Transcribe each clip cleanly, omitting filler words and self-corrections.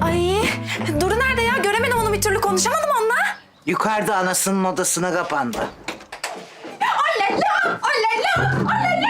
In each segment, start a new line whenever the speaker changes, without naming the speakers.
Ay, Duru nerede ya? Göremedim onu, bir türlü konuşamadım onunla.
Yukarıda anasının odasına kapandı.
Olala, olala, olala.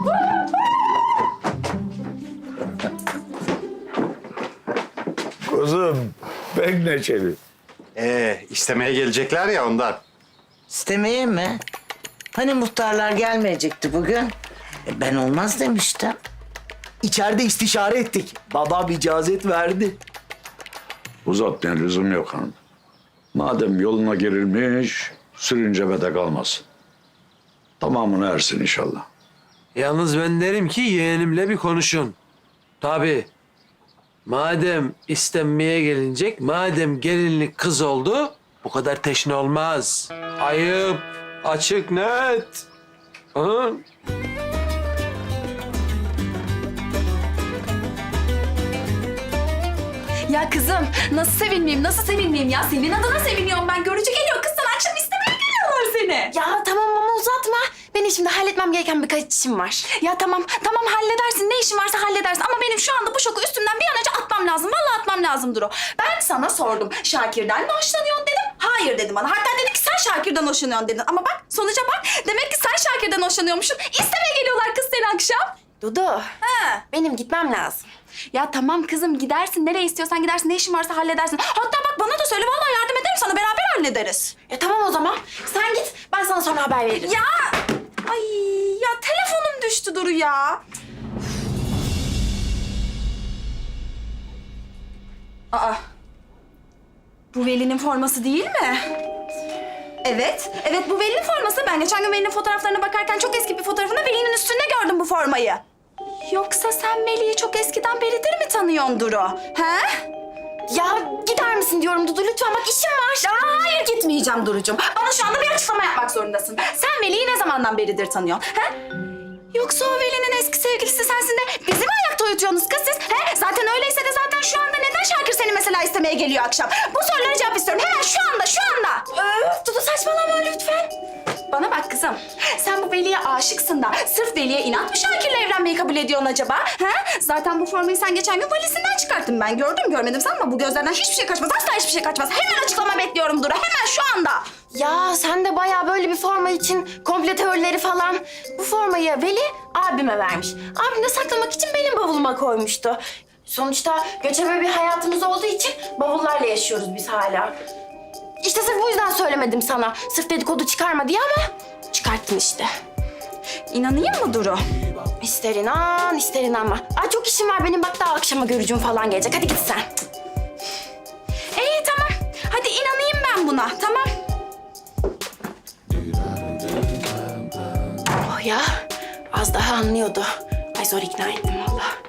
Kuzum pek neşeli.
İstemeye gelecekler ya ondan.
İstemeye mi? Hani muhtarlar gelmeyecekti bugün? Ben olmaz demiştim.
İçeride istişare ettik. Babam icazet verdi.
Uzatmaya lüzum yok hanım. Madem yoluna girilmiş, sürüncemede kalmasın. Tamamını ersin inşallah.
Yalnız ben derim ki yeğenimle bir konuşun. Tabii. Madem istenmeye gelinecek, madem gelinlik kız oldu, bu kadar teşne olmaz. Ayıp, açık, net. Hı?
Ya kızım, nasıl sevinmeyeyim, nasıl sevinmeyeyim ya? Senin adına seviniyorum ben. Görücü geliyor kız, sana akşam istemeye geliyorlar seni.
Ya tamam ama uzatma. Benim şimdi halletmem gereken birkaç işim var.
Ya tamam halledersin. Ne işin varsa halledersin. Ama benim şu anda bu şoku üstümden bir an önce atmam lazım. Vallahi atmam lazım Duru. Ben sana sordum. Şakir'den mi hoşlanıyorsun dedim. Hayır dedi bana. Hatta dedi ki sen Şakir'den hoşlanıyorsun dedin. Ama bak sonuca bak. Demek ki sen Şakir'den hoşlanıyormuşsun. İstemeye geliyorlar kız seni akşam.
Dudu,
Ha.
benim gitmem lazım.
Ya tamam kızım gidersin. Nereye istiyorsan gidersin. Ne işin varsa halledersin. Hatta bak bana da söyle. Vallahi yardım ederim sana. Beraber hallederiz.
Tamam o zaman. Sen git, ben sana sonra haber veririm.
Ya! Ay ya telefonum düştü Duru ya. Aa. Bu Veli'nin forması değil mi? Evet. Evet bu Veli'nin forması. Ben geçen gün Veli'nin fotoğraflarına bakarken çok eski bir fotoğrafında Veli'nin üstünde gördüm bu formayı. Yoksa sen Veli'yi çok eskiden beridir mi tanıyorsun Duru? He?
Ya gider misin diyorum Dudu, lütfen bak işim var.
Ya hayır gitmeyeceğim Duru'cum. Bana şu anda bir açıklama yapmak zorundasın. Sen Veli'yi ne zamandan beridir tanıyorsun? He? Yoksa o Veli'nin eski sevgilisi sensin de bizi mi ayakta uyutuyorsunuz kız siz? He? Zaten öyleyse de zaten şu anda neden Şakir seni mesela istemeye geliyor akşam? Bu sorulara cevap istiyorum. Hemen şu anda, şu anda.
Dudu saçmalama lütfen.
Bana bak kızım. Sen bu Veli'ye aşıksın da sırf Veli'ye inat mı Şakir'le evlenmeyi kabul ediyorsun acaba? He? Zaten bu formayı sen geçen gün valizinden çıkarttın. Ben gördüm görmedim sanma. Bu gözlerden hiçbir şey kaçmaz. Asla hiçbir şey kaçmaz. Hemen açıklama bekliyorum Duru. Hemen şu anda.
Ya sen de bayağı böyle bir forma için komple teorileri falan. Bu formayı Veli abime vermiş. Abim de saklamak için benim bavuluma koymuştu. Sonuçta göçebe bir hayatımız olduğu için bavullarla yaşıyoruz biz hala. İşte sırf bu yüzden söylemedim sana. Sırf dedikodu çıkarma diye ama çıkarttın işte.
İnanayım mı Duru?
İster inan, ister inanma. Ay çok işim var benim, bak daha akşama görücüm falan gelecek. Hadi git sen.
İyi tamam. Hadi inanayım ben buna. Tamam.
Oh ya, az daha anlıyordu. Ay zor ikna ettim vallahi.